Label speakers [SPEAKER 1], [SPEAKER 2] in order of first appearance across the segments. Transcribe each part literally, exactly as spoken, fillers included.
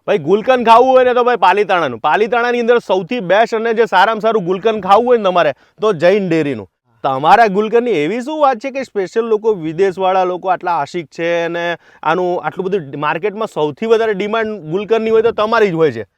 [SPEAKER 1] ભાઈ ગુલકંદ ખાવું હોય ને તો ભાઈ પાલીતાણાનું પાલીતાણાની અંદર સૌથી બેસ્ટ અને જે સારામાં સારું ગુલકંદ ખાવું હોય ને તમારે તો જૈન ડેરીનું. તમારા ગુલકંદની એવી શું વાત છે કે સ્પેશિયલ લોકો વિદેશવાળા લોકો આટલા આશિક છે અને આનું આટલું બધું માર્કેટમાં સૌથી વધારે ડિમાન્ડ ગુલકંદની હોય તો તમારી જ હોય છે.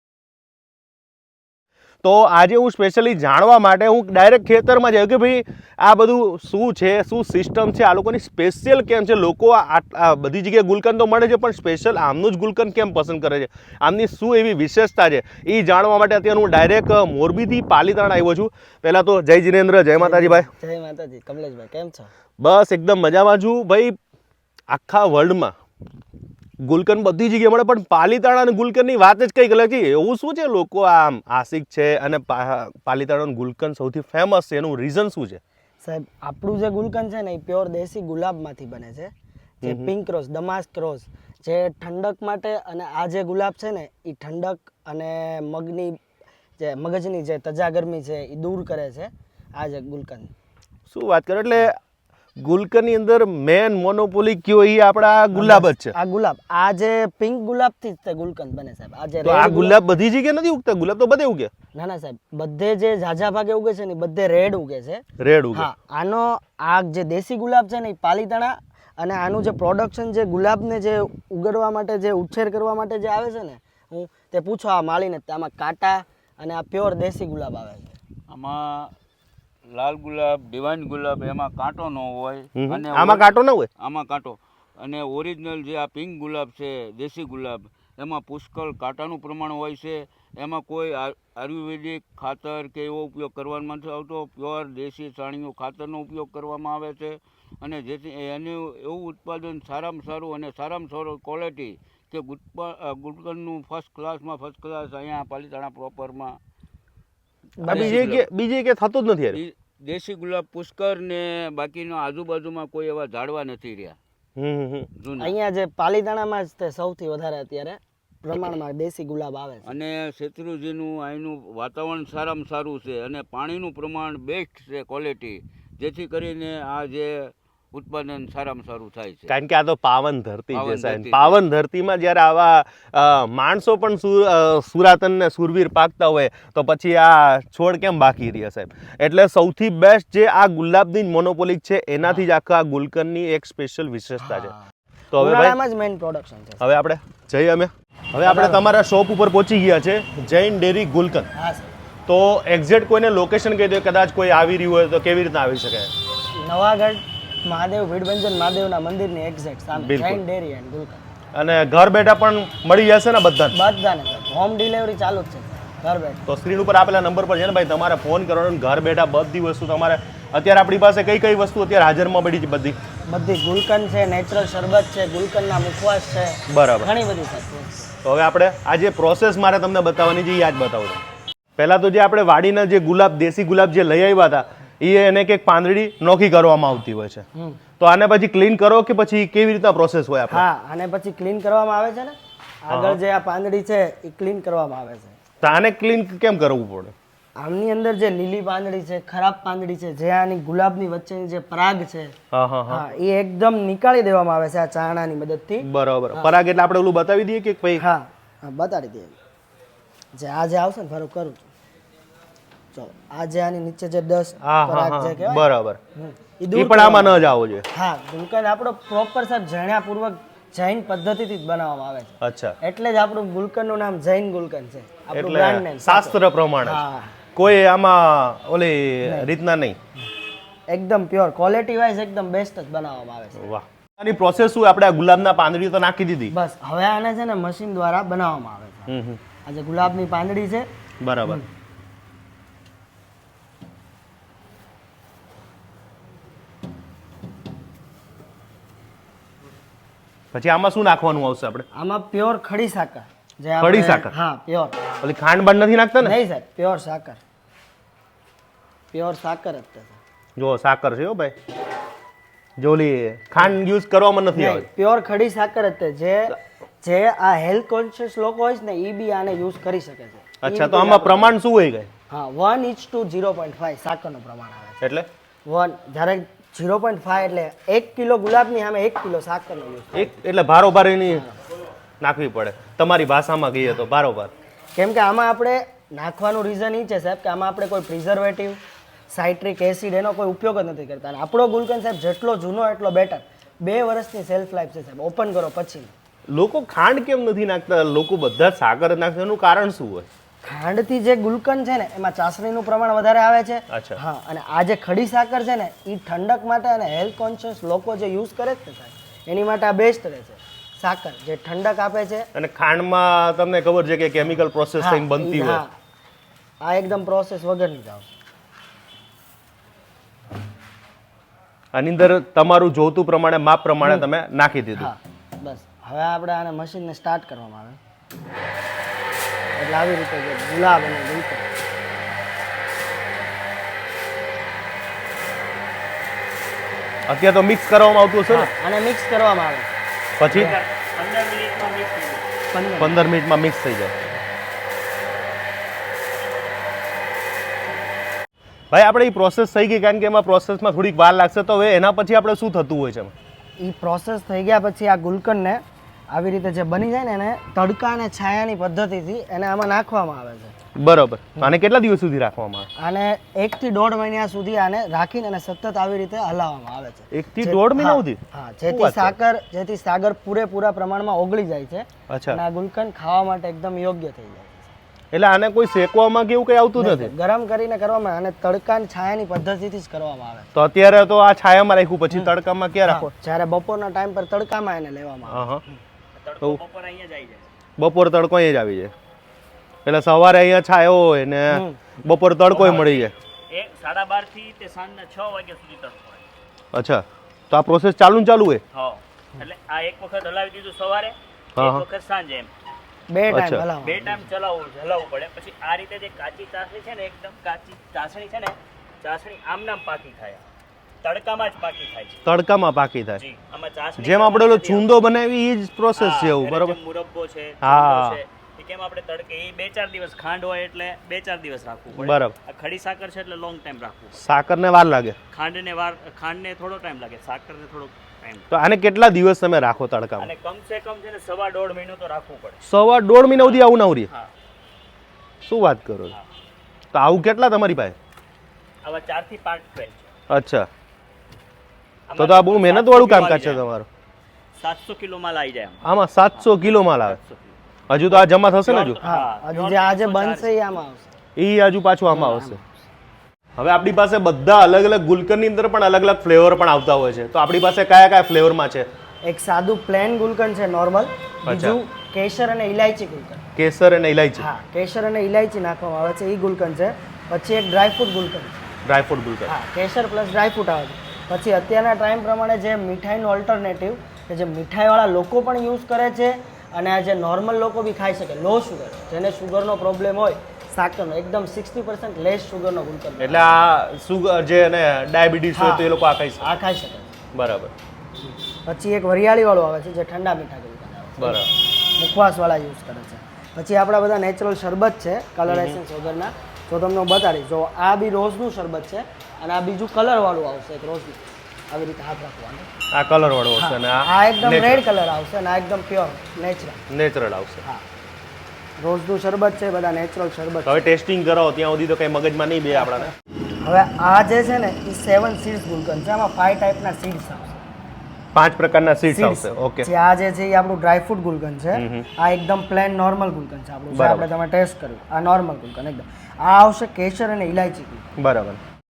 [SPEAKER 1] તો આજે હું સ્પેશિયલી જાણવા માટે હું ડાયરેક્ટ ખેતરમાં જાઉં કે ભાઈ આ બધું શું છે, શું સિસ્ટમ છે, આ લોકોની સ્પેશિયલ કેમ છે, લોકો આ બધી જગ્યાએ ગુલકંદ તો મળે છે પણ સ્પેશિયલ આમનું જ ગુલકંદ કેમ પસંદ કરે છે, આમની શું એવી વિશેષતા છે એ જાણવા માટે અત્યારે હું ડાયરેક્ટ મોરબીથી પાલીતાણા આવ્યો છું. પહેલાં તો જય જિનેન્દ્ર, જય માતાજી ભાઈ.
[SPEAKER 2] જય માતાજી. કમલેશભાઈ કેમ છો?
[SPEAKER 1] બસ એકદમ મજામાં છું ભાઈ. આખા વર્લ્ડમાં ગુલકંદ બધી જગ્યાએ મળે પણ પાલીતાણા ગુલકંદની વાત જ કંઈક અલગ છે. એવું શું છે લોકો આમ આશિક છે અને પાલીતાણાનું ગુલકંદ સૌથી ફેમસ છે, એનું રીઝન શું છે?
[SPEAKER 2] સાહેબ આપણું જે ગુલકંદ છે ને એ પ્યોર દેશી ગુલાબમાંથી બને છે. જે પિંક રોઝ, દમાસ્ક રોઝ, જે ઠંડક માટે, અને આ જે ગુલાબ છે ને એ ઠંડક અને મગની જે મગજની જે તજા ગરમી છે એ દૂર કરે છે. આ જે ગુલકંદ
[SPEAKER 1] શું વાત કરો એટલે ગુલકંદની અંદર મેન મોનોપોલી કયો એ આપણા ગુલાબ જ છે.
[SPEAKER 2] આ ગુલાબ, આ જે પિંક ગુલાબથી જ તે ગુલકંદ બને સાહેબ. આ જે
[SPEAKER 1] તો આ ગુલાબ બધી જગ્યાએ નથી ઉગતા, ગુલાબ તો બધે ઉગે.
[SPEAKER 2] ના ના સાહેબ, બધે જે ઝાઝા ભાગે ઉગે છે ને બધે રેડ ઉગે છે.
[SPEAKER 1] રેડ ઉગે.
[SPEAKER 2] હા, આનો આ જે દેશી ગુલાબ છે ને એ પાલીતાણા, અને આનું જે પ્રોડક્શન જે ગુલાબને જે ઉગાડવા માટે જે ઉછેર કરવા માટે જે આવે છે ને, હું તે પૂછો આ માળીને, આમાં કાંટા અને આ પ્યોર દેશી ગુલાબ આવે છે.
[SPEAKER 3] આમાં લાલ ગુલાબ, ડિવાઇન ગુલાબ, એમાં કાંટો ન હોય.
[SPEAKER 1] અને આમાં કાંટો ન હોય.
[SPEAKER 3] આમાં કાંટો. અને ઓરિજિનલ જે આ પિંક ગુલાબ છે, દેશી ગુલાબ, એમાં પુષ્કળ કાંટાનું પ્રમાણ હોય છે. એમાં કોઈ આયુર્વેદિક ખાતર કે એવો ઉપયોગ કરવામાં નથી આવતો. પ્યોર દેશી છાણિયું ખાતરનો ઉપયોગ કરવામાં આવે છે. અને જેથી એનું એવું ઉત્પાદન સારામાં સારું અને સારામાં સારું ક્વોલિટી કે ગુલકંદનું ફર્સ્ટ ક્લાસમાં ફર્સ્ટ ક્લાસ અહીંયા પાલીતાણા પ્રોપરમાં
[SPEAKER 1] બીજે બીજે કે થતું જ નથી યાર.
[SPEAKER 3] દેશી ગુલાબ પુષ્કર ને બાકીનો આજુબાજુમાં કોઈ એવા ઝાડવા નથી રહ્યા.
[SPEAKER 2] અહીંયા જે પાલીતાણામાં જ તે સૌથી વધારે અત્યારે પ્રમાણમાં દેશી ગુલાબ આવે છે.
[SPEAKER 3] અને શેત્રુજીનું અહીંનું વાતાવરણ સારામાં સારું છે અને પાણીનું પ્રમાણ બેસ્ટ છે, ક્વોલિટી, જેથી કરીને આ જે ઉત્પાદન સારામાં સારું થાય છે.
[SPEAKER 1] કારણ કે આ તો પાવન ધરતી છે સાહેબ. પાવન ધરતીમાં જ્યારે આવા માણસો પણ સુરાતન ને સુરવીર પાકતા હોય તો પછી આ છોડ કેમ બાકી રહ્યા સાહેબ. એટલે સૌથી બેસ્ટ જે આ ગુલાબની મોનોપોલિક છે એનાથી જ આખા ગુલકંદની એક સ્પેશિયલ વિશેષતા છે.
[SPEAKER 2] તો હવે ભાઈ જ મેઇન પ્રોડક્શન છે.
[SPEAKER 1] હવે આપણે જઈએ અમે હવે આપણે તમારા શોપ ઉપર પહોંચી ગયા છે, જૈન ડેરી ગુલકંદ.
[SPEAKER 2] હા સર.
[SPEAKER 1] તો એક્ઝેક્ટ કોઈને લોકેશન કહી દો, કદાચ કોઈ આવી રહ્યું હોય તો કેવી રીતના આવી શકે?
[SPEAKER 2] નવાગઢ મહાદેવ ભીડભંજન મહાદેવના મંદિરની એક્ઝેક્ટ સામે જૈન ડેરી એન્ડ ગુલકંદ.
[SPEAKER 1] અને ઘર બેઠા પણ મળી જશે ને બધાને?
[SPEAKER 2] બધાને સર, હોમ ડિલિવરી ચાલુ જ છે ઘર બેઠા.
[SPEAKER 1] તો સ્ક્રીન ઉપર આપેલા નંબર પર છે ને ભાઈ તમારે ફોન કરવાનો, ઘર બેઠા બધી વસ્તુ તમારે. અત્યારે આપણી પાસે કઈ કઈ વસ્તુ અત્યારે હાજરમાં પડી છે? બધી
[SPEAKER 2] બધી ગુલકંદ છે, નેચરલ શરબત છે, ગુલકંદના મુખવાસ છે,
[SPEAKER 1] બરાબર,
[SPEAKER 2] ઘણી બધી સર.
[SPEAKER 1] તો હવે આપણે આ જે પ્રોસેસ મારે તમને બતાવવાની છે એ યાદ બતાવું છું. પહેલાં તો જે આપણે વાડીના જે ગુલાબ, દેશી ગુલાબ જે લઈ આવ્યા હતા એ એને કંઈક પાંદડી નોખી કરવામાં આવતી હોય છે. તો આને પછી ક્લીન કરો કે પછી કેવી રીતના પ્રોસેસ હોય આપણે?
[SPEAKER 2] હા, આને પછી ક્લીન કરવામાં આવે છે ને. આગળ જે આ પાંદડી છે એ ક્લીન કરવામાં આવે છે.
[SPEAKER 1] તો આને ક્લીન કેમ કરવું પડે?
[SPEAKER 2] આમની અંદર જે લીલી પાંદડી છે, ખરાબ પાંદડી છે, જે આની ગુલાબની વચ્ચેની જે પરાગ છે,
[SPEAKER 1] હા હા હા,
[SPEAKER 2] એ એકદમ નીકાળી દેવામાં આવે છે આ ચારણાની મદદથી.
[SPEAKER 1] બરાબર. પરાગ એટલે આપણે ઓલું બતાવી દઈએ કે ભાઈ?
[SPEAKER 2] હા, બતાડી દઈએ. જે આ જે આવશે ને, ફરું કરું છું. ચલો, આ જે આની નીચે જે દસ પરાગ છે કહેવાય,
[SPEAKER 1] બરાબર,
[SPEAKER 2] એ
[SPEAKER 1] એ પણ આમાં ન જ આવો જોઈએ.
[SPEAKER 2] હા, ગુલકંદ આપણો પ્રોપર સર જણ્યાપૂર્વક જૈન પદ્ધતિથી જ બનાવવામાં આવે છે.
[SPEAKER 1] અચ્છા,
[SPEAKER 2] એટલે જ આપણું ગુલકંદનું નામ જૈન ગુલકંદ છે. આપણું બ્રાન્ડ નેમ
[SPEAKER 1] શાસ્ત્ર પ્રમાણે.
[SPEAKER 2] હા,
[SPEAKER 1] કોઈ આમાં ઓલી રીતના નહીં,
[SPEAKER 2] એકદમ પ્યોર ક્વોલિટી વાઇઝ એકદમ બેસ્ટ જ બનાવવામાં આવે છે.
[SPEAKER 1] વાહ. આની પ્રોસેસ શું? આપણે આ ગુલાબના પાંદડી તો નાખી દીધી,
[SPEAKER 2] બસ હવે આને છે ને મશીન દ્વારા બનાવવામાં આવે છે.
[SPEAKER 1] હમ હમ,
[SPEAKER 2] આ જે ગુલાબની પાંદડી છે,
[SPEAKER 1] બરાબર. પછી આમાં શું નાખવાનું આવશે આપણે?
[SPEAKER 2] આમાં પ્યોર ખડી સાકર. જે
[SPEAKER 1] ખડી સાકર?
[SPEAKER 2] હા, પ્યોર.
[SPEAKER 1] ઓલી ખાંડ બાંડ નથી નાખતા ને?
[SPEAKER 2] નહીં સાહેબ, પ્યોર સાકર. પ્યોર સાકર જ છે.
[SPEAKER 1] જો સાકર છે હો ભાઈ, જો ઓલી ખાંડ યુઝ કરવામાં નથી આવતી.
[SPEAKER 2] પ્યોર ખડી સાકર જ છે. જે જે આ હેલ્થ કોન્શિયસ લોકો હોય છે ને એ બી આને યુઝ કરી શકે છે.
[SPEAKER 1] અચ્છા, તો આમાં પ્રમાણ શું હોય ગઈ?
[SPEAKER 2] હા, one inch two zero point five સાકરનું પ્રમાણ આવે છે.
[SPEAKER 1] એટલે
[SPEAKER 2] વન જ્યારે ઝીરો પોઈન્ટ ફાઈવ એટલે એક કિલો ગુલાબની સામે એક કિલો સાકરનો યુઝ.
[SPEAKER 1] એક એટલે ભારો ભારીની નાખવી પડે તમારી ભાષામાં કહીએ તો બરાબર.
[SPEAKER 2] કેમ કે આમાં આપણે નાખવાનું રીઝન એ છે સાહેબ કે આમાં આપણે કોઈ પ્રિઝર્વેટિવ સાઇટ્રિક એસિડ એનો કોઈ ઉપયોગ જ નથી કરતા. અને આપણો ગુલકંદ સાહેબ જેટલો જૂનો એટલો બેટર. બે વર્ષની સેલ્ફ લાઈફ છે સાહેબ, ઓપન કરો પછી.
[SPEAKER 1] લોકો ખાંડ કેમ નથી નાખતા? લોકો બધા જ સાકર જ નાખતા, એનું કારણ શું હોય?
[SPEAKER 2] ખાંડથી જે ગુલકંદ છે ને એમાં ચાસણીનું પ્રમાણ વધારે આવે છે.
[SPEAKER 1] અચ્છા.
[SPEAKER 2] હા, અને આ જે ખડી સાકર છે ને એ ઠંડક માટે અને હેલ્થ કોન્શિયસ લોકો જે યુઝ કરે છે ને સાહેબ એની માટે આ બેસ્ટ રહે છે. સાકર જે ઠંડક આપે છે.
[SPEAKER 1] અને ખાંડમાં તમને ખબર છે કે કેમિકલ પ્રોસેસ
[SPEAKER 2] હા,
[SPEAKER 1] થઈને બનતી
[SPEAKER 2] ઈ-
[SPEAKER 1] હોય.
[SPEAKER 2] હા. આ એકદમ પ્રોસેસ વગરની જ આવશે.
[SPEAKER 1] આની અંદર તમારું જોતું પ્રમાણે માપ પ્રમાણે તમે નાખી દીધું.
[SPEAKER 2] હા, બસ હવે આપણે આને મશીનને સ્ટાર્ટ કરવામાં આવે એટલે આવી રીતે જે ગુલાબ અને ગુલકંદ
[SPEAKER 1] અત્યારે તો મિક્સ કરવામાં આવતું હશે ને?
[SPEAKER 2] આને મિક્સ કરવામાં આવે
[SPEAKER 1] પછી
[SPEAKER 2] પંદર
[SPEAKER 1] પંદર મિનિટમાં મિક્સ થઈ જાય. ભાઈ આપણે એ પ્રોસેસ થઈ ગઈ, કારણ કે એમાં પ્રોસેસમાં થોડીક વાર લાગશે, તો હવે એના પછી આપણે શું થતું હોય છે?
[SPEAKER 2] એ પ્રોસેસ થઈ ગયા પછી આ ગુલકંદને આવી રીતે જે બની જાય ને એને તડકા અને છાયાની પદ્ધતિથી એને આમાં નાખવામાં આવે છે.
[SPEAKER 1] બરોબર. આને કેટલા દિવસ સુધી રાખવામાં આવે?
[SPEAKER 2] આને એક થી દોઢ મહિના સુધી આને રાખીને અને સતત આવી રીતે હલાવવામાં આવે છે.
[SPEAKER 1] એક થી દોઢ મહિના સુધી?
[SPEAKER 2] હા, જેથી સાકર જેથી સાગર પૂરેપૂરા પ્રમાણમાં ઓગળી જાય છે
[SPEAKER 1] અચ્છા.
[SPEAKER 2] અને આ ગુલકંદ ખાવા માટે એકદમ યોગ્ય થઈ જાય છે.
[SPEAKER 1] એટલે આને કોઈ શેકવામાં કે એવું કઈ આવતું નથી?
[SPEAKER 2] ગરમ કરીને કરવામાં અને તડકા અને છાયાની પદ્ધતિથી જ કરવામાં આવે છે.
[SPEAKER 1] તો અત્યારે તો આ છાયામાં રાખ્યું, પછી તડકામાં ક્યાં રાખો?
[SPEAKER 2] જ્યારે બપોરના ટાઈમ પર તડકામાં એને લેવામાં આવે.
[SPEAKER 1] હા હા. બપોર તડકો અહીંયા જ આવી જાય, એટલે સવારે અહીંયા છાયો હોય ને બપોર તડકો મળી જાય.
[SPEAKER 4] એક સાડા બાર થી તે સાંજના છ વાગ્યા સુધી તડકો હોય.
[SPEAKER 1] અચ્છા, તો આ પ્રોસેસ ચાલુ ને ચાલુ હોય?
[SPEAKER 4] હા, એટલે આ એક વખત હલાવી દીધું સવારે,
[SPEAKER 1] હા,
[SPEAKER 4] એક
[SPEAKER 1] હા.
[SPEAKER 4] વખત સાંજે, એમ
[SPEAKER 2] બે
[SPEAKER 1] અચ્છા.
[SPEAKER 2] ટાઈમ હલાવવાનું.
[SPEAKER 4] બે ટાઈમ ચલાવવું હલાવવું પડે. પછી આ રીતે જે કાચી ચાસણી છે ને, એકદમ કાચી ચાસણી છે ને, ચાસણી આમ નામ પાકી થાય, તડકામાં જ પાકી થાય છે.
[SPEAKER 1] તડકામાં પાકી થાય.
[SPEAKER 4] જી, આમાં ચાસણી
[SPEAKER 1] જેમ આપણે ઓલો ચૂંદો બનાવી એ જ પ્રોસેસ છે એવું,
[SPEAKER 4] હા,
[SPEAKER 1] બરોબર?
[SPEAKER 4] જેમ મુરબ્બો છે,
[SPEAKER 1] હા.
[SPEAKER 4] ચૂંદો છે, એ કેમ આપણે તડકે એ બે ચાર દિવસ, ખાંડ હોય એટલે બે ચાર દિવસ રાખવું પડે.
[SPEAKER 1] બરાબર.
[SPEAKER 4] આ ખડી સાકર છે એટલે લોંગ ટાઈમ રાખવું પડે.
[SPEAKER 1] સાકરને વાર લાગે.
[SPEAKER 4] ખાંડને વાર ખાંડને થોડો ટાઈમ લાગે, સાકરને થોડો ટાઈમ.
[SPEAKER 1] તો આને કેટલા દિવસ તમે રાખો તડકામાં?
[SPEAKER 4] અને કમ સે કમ છે ને સવા દોઢ મહિનો તો રાખવું પડે.
[SPEAKER 1] સવા દોઢ મહિના સુધી આવું ના ઉરી?
[SPEAKER 4] હા,
[SPEAKER 1] શું વાત કરો છો? તો આવું કેટલા તમારી પાસે?
[SPEAKER 4] આવા ચાર થી પાંચ ટ્રેન છે.
[SPEAKER 1] અચ્છા, તો તો આ બહુ મહેનત વાળું કામકાજ છે તમારું.
[SPEAKER 4] સાતસો કિલો માલ આવી જાય આમાં.
[SPEAKER 1] આમાં સાતસો કિલો માલ આવે.
[SPEAKER 4] સાતસો કિલો.
[SPEAKER 1] હજુ તો આ જમા થશે ને? હજુ
[SPEAKER 2] હા, હજી જે આજે બનશે એ આમાં આવશે.
[SPEAKER 1] એ હજુ પાછું આમાં આવશે. હવે આપણી પાસે બધા અલગ અલગ ગુલકંદની અંદર પણ અલગ અલગ ફ્લેવર પણ આવતા હોય છે, તો આપણી પાસે કયા કયા ફ્લેવરમાં છે?
[SPEAKER 2] એક સાદું પ્લેન ગુલકંદ છે નોર્મલ, બીજું કેસર અને ઇલાયચી ગુલકંદ.
[SPEAKER 1] કેસર અને ઇલાયચી.
[SPEAKER 2] હા, કેસર અને ઇલાયચી નાખવામાં આવે છે એ ગુલકંદ છે. પછી એક ડ્રાયફ્રૂટ ગુલકંદ છે.
[SPEAKER 1] ડ્રાયફ્રૂટ ગુલકંદ.
[SPEAKER 2] હા, કેસર પ્લસ ડ્રાયફ્રૂટ આવે છે. પછી અત્યારના ટાઈમ પ્રમાણે જે મીઠાઈનું ઓલ્ટરનેટિવ કે જે મીઠાઈવાળા લોકો પણ યુઝ કરે છે અને આ જે નોર્મલ લોકો બી ખાઈ શકે, લો શુગર, જેને શુગરનો પ્રોબ્લેમ હોય, સાકરનો એકદમ સિક્સટી પર્સન્ટ લેસ શુગરનો ગુલકંદ.
[SPEAKER 1] એટલે આ સુગર જે અને ડાયાબિટીસ હોય તો એ લોકો આ ખાઈ શકે.
[SPEAKER 2] આ ખાઈ શકે.
[SPEAKER 1] બરાબર.
[SPEAKER 2] પછી એક વરિયાળીવાળું આવે છે જે ઠંડા મીઠા ગુલકંદ આવે છે.
[SPEAKER 1] બરાબર.
[SPEAKER 2] મુખવાસવાળા યુઝ કરે છે. પછી આપણા બધા નેચરલ શરબત છે કલર એસેન્સ વગરના, તો તમને હું બતાડીશ. જો આ બી રોઝનું શરબત છે અને આ બીજું કલરવાળું આવશે, એક રોઝનું. આવી રીતે હાથ રાખવાનું.
[SPEAKER 1] આ કલર વાળો હશે અને
[SPEAKER 2] આ એકદમ રેડ કલર આવશે અને આ એકદમ પ્યોર નેચરલ.
[SPEAKER 1] નેચરલ આવશે.
[SPEAKER 2] હા, રોઝનું શરબત છે, બધા નેચરલ શરબત.
[SPEAKER 1] હવે ટેસ્ટિંગ કરાવો, ત્યાં સુધી તો કઈ મગજમાં નહીં બે આપણાને.
[SPEAKER 2] હવે આ જે છે ને એ સેવન સીડ્સ ગુલકંદ છે. આમાં ફાઈવ ટાઈપના સીડ્સ આવશે.
[SPEAKER 1] પાંચ પ્રકારના સીડ્સ
[SPEAKER 2] Seeds.
[SPEAKER 1] આવશે. ઓકે.
[SPEAKER 2] જે આ જે છે એ આપણું ડ્રાયફ્રૂટ ગુલકંદ છે. આ એકદમ પ્લેન નોર્મલ ગુલકંદ છે આપણું, જે
[SPEAKER 1] બરાબર.
[SPEAKER 2] આપણે તમે ટેસ્ટ કર્યું. આ નોર્મલ ગુલકંદ એકદમ. આ આવશે કેસર અને ઇલાયચી ગુલકંદ.
[SPEAKER 1] બરાબર.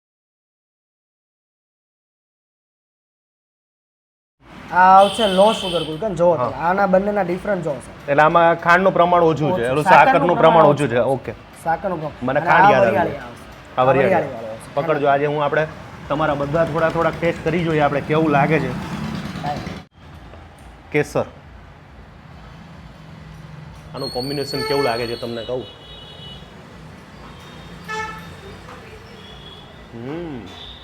[SPEAKER 2] આ આવશે લો શુગર ગુલકંદ. જો તમે આના બંનેના ડિફરન્ટ જો છે.
[SPEAKER 1] એટલે આમાં ખાંડનું પ્રમાણ ઓછું છે, એનું સાકરનું પ્રમાણ ઓછું છે. ઓકે.
[SPEAKER 2] સાકરનું પ્રમાણ.
[SPEAKER 1] મને
[SPEAKER 2] અને
[SPEAKER 1] ખાંડ
[SPEAKER 2] આ
[SPEAKER 1] યાદ
[SPEAKER 2] વરિયાળી
[SPEAKER 1] આવી.
[SPEAKER 2] આવશે.
[SPEAKER 1] આ વરિયાળી.
[SPEAKER 2] વરિયાળીવાળો આવશે.
[SPEAKER 1] પકડજો, આજે હું આપણે તમારા બધા થોડા થોડા ટેસ્ટ કરી જોઈએ આપણે કેવું લાગે છે. કેસર, આનું કોમ્બિનેશન કેવું લાગે છે તમને કહું? હમ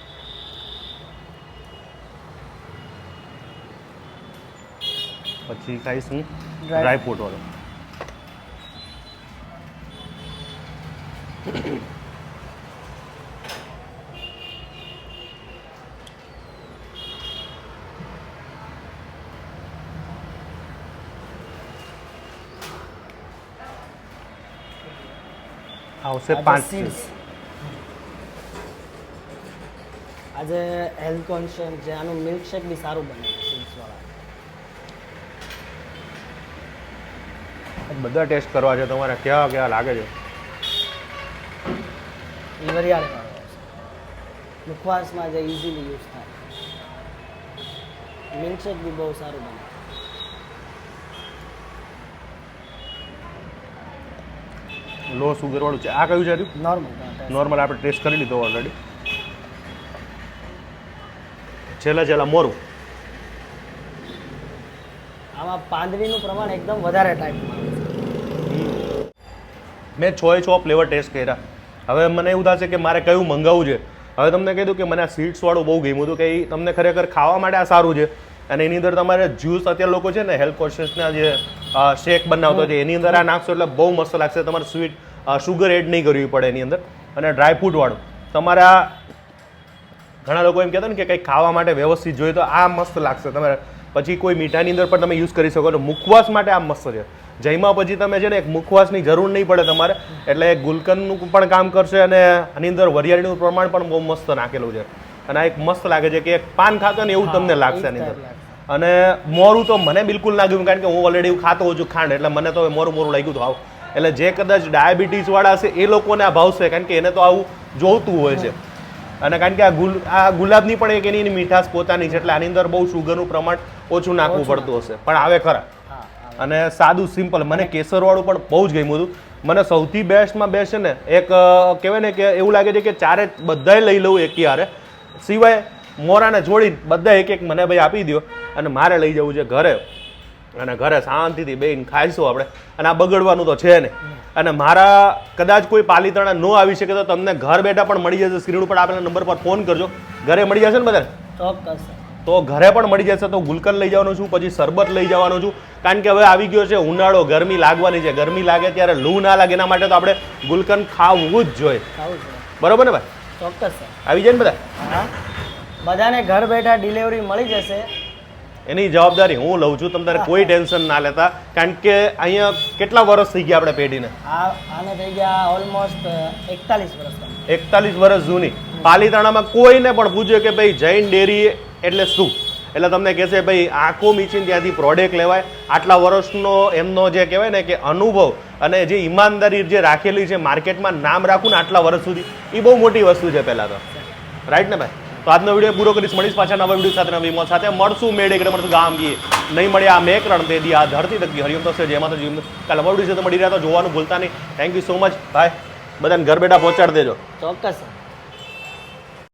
[SPEAKER 1] પછી ખાઈશું ડ્રાયફ્રૂટ વાળો. આવશે પાંચ
[SPEAKER 2] સીડ્સ આજે હેલ્થ કોન્શિયસ જે આનું મિલ્કશેક બી સારું બને સીડ્સ વાળા
[SPEAKER 1] બધા ટેસ્ટ કરવા છે તમારે કેવા કેવા લાગે છે
[SPEAKER 2] એ વરિયાળી વાળો આવશે મુખવાસમાં જે ઇઝીલી યુઝ થાય મિલ્કશેક બી બહુ સારું બને
[SPEAKER 1] લો સુગર વાળું છે આ કયું છે
[SPEAKER 2] નોર્મલ
[SPEAKER 1] નોર્મલ આપણે ટેસ્ટ કરી લીધો ઓલરેડી છેલ્લા છેલ્લા મોરું
[SPEAKER 2] આમાં પાંદડીનું પ્રમાણ એકદમ વધારે ટાઈપમાં આવે છે
[SPEAKER 1] મેં છ એ છ ફ્લેવર ટેસ્ટ કર્યા હવે મને એવું થશે કે મારે કયું મંગાવવું છે હવે તમને કીધું કે મને આ સ્વીટ્સવાળું બહુ ગમ્યું હતું કે એ તમને ખરેખર ખાવા માટે આ સારું છે અને એની અંદર તમારે જ્યુસ અત્યારે લોકો છે ને હેલ્થ કોન્શિયસના જે શેક બનાવતો છે એની અંદર આ નાખશો એટલે બહુ મસ્ત લાગશે તમારે સ્વીટ શુગર એડ નહીં કરવી પડે એની અંદર અને ડ્રાય ફ્રૂટવાળું તમારે આ ઘણા લોકો એમ કહેતા ને કે કંઈક ખાવા માટે વ્યવસ્થિત જોઈએ તો આ મસ્ત લાગશે તમારે પછી કોઈ મીઠાની અંદર પણ તમે યુઝ કરી શકો છો મુખવાસ માટે આ મસ્ત છે જઈમાં પછી તમે છે ને એક મુખવાસની જરૂર નહીં પડે તમારે એટલે ગુલકંદનું પણ કામ કરશે અને આની અંદર વરિયાળીનું પ્રમાણ પણ બહુ મસ્ત નાખેલું છે અને આ એક મસ્ત લાગે છે કે એક પાન ખાતો ને એવું તમને લાગશે આની અંદર અને મોરું તો મને બિલકુલ ના ગયું કારણ કે હું ઓલરેડી એવું ખાતો હોઉં છું ખાંડ એટલે મને તો મોરું મોરું લાગ્યું હતું આવું એટલે જે કદાચ ડાયાબિટીસ વાળા છે એ લોકોને આ ભાવશે કારણ કે એને તો આવું જોઈતું હોય છે અને કારણ કે આ ગુલ આ ગુલાબની પણ એક એની મીઠાશ પોતાની છે એટલે આની અંદર બહુ શુગરનું પ્રમાણ ઓછું નાખવું પડતું હશે પણ આવે ખરા અને સાદું સિમ્પલ મને કેસરવાળું પણ બહુ જ ગમ્યું હતું મને સૌથી બેસ્ટમાં બેસ્ટ છે ને એક કહેવાય ને કે એવું લાગે છે કે ચારે બધાય લઈ લઉં એક યારે સિવાય મોરાને જોડીને બધા એક એક મને ભાઈ આપી દો અને મારે લઈ જવું છે ઘરે અને ઘરે શાંતિથી બેન ખાઈશું આપણે અને આ બગડવાનું તો છે ને અને મારા કદાચ કોઈ પાલીતાણા ન આવી શકે તો તમને ઘર બેઠા પણ મળી જશે સ્ક્રીન ઉપર આપેલા નંબર પર ફોન કરજો ઘરે મળી જશે ને બધાને
[SPEAKER 2] ચોક્કસ
[SPEAKER 1] તો ઘરે પણ મળી જશે તો ગુલકંદ લઈ જવાનો છું પછી શરબત લઈ જવાનો છું કારણ કે હવે આવી ગયો છે ઉનાળો ગરમી લાગવાની છે ગરમી લાગે ત્યારે લૂ ના લાગે એના માટે તો આપણે ગુલકંદ ખાવું જ જોઈએ
[SPEAKER 2] ખાવું છે
[SPEAKER 1] બરોબર ને ભાઈ
[SPEAKER 2] ચોક્કસ સર
[SPEAKER 1] આવી જાય ને બધા
[SPEAKER 2] હા બધાને ઘર બેઠા ડિલિવરી મળી જશે
[SPEAKER 1] એની જવાબદારી હું લઉં છું તમને કોઈ ટેન્શન ના લેતા કારણ કે અહીંયા કેટલા વર્ષ થઈ ગયા આપણે પેઢીને
[SPEAKER 2] આ આને થઈ ગયા ઓલમોસ્ટ એકતાલીસ વર્ષ
[SPEAKER 1] એકતાલીસ વર્ષ જૂની પાલીતાણામાં કોઈને પણ પૂછ્યું કે ભાઈ જૈન ડેરી એટલે શું એટલે તમને કહેશે ભાઈ આંખો મીચીને ત્યાંથી પ્રોડક્ટ લેવાય આટલા વર્ષનો એમનો જે કહેવાય ને કે અનુભવ અને જે ઈમાનદારી જે રાખેલી છે માર્કેટમાં નામ રાખવું ને આટલા વર્ષ સુધી એ બહુ મોટી વસ્તુ છે પહેલાં તો રાઈટ ને ભાઈ તો આજનો વિડીયો પૂરો કરીશ મળીશ પાછા નવા વિડીયો સાથે નવી મોત સાથે મળશું મેળે એટલે મળશું ગામ ગીએ નહીં મળ્યા આ મેકરણ તે દી આ ધરતી તકતી હરિયમ તો છે જેમાં તો જીવન કાલે નવા વિડીયો સાથે મળી રહ્યા તો જોવાનું ભૂલતા નહીં થેન્ક યુ સો મચ ભાઈ બધાને ઘર બેઠા પહોંચાડી દેજો
[SPEAKER 2] ચોક્કસ સર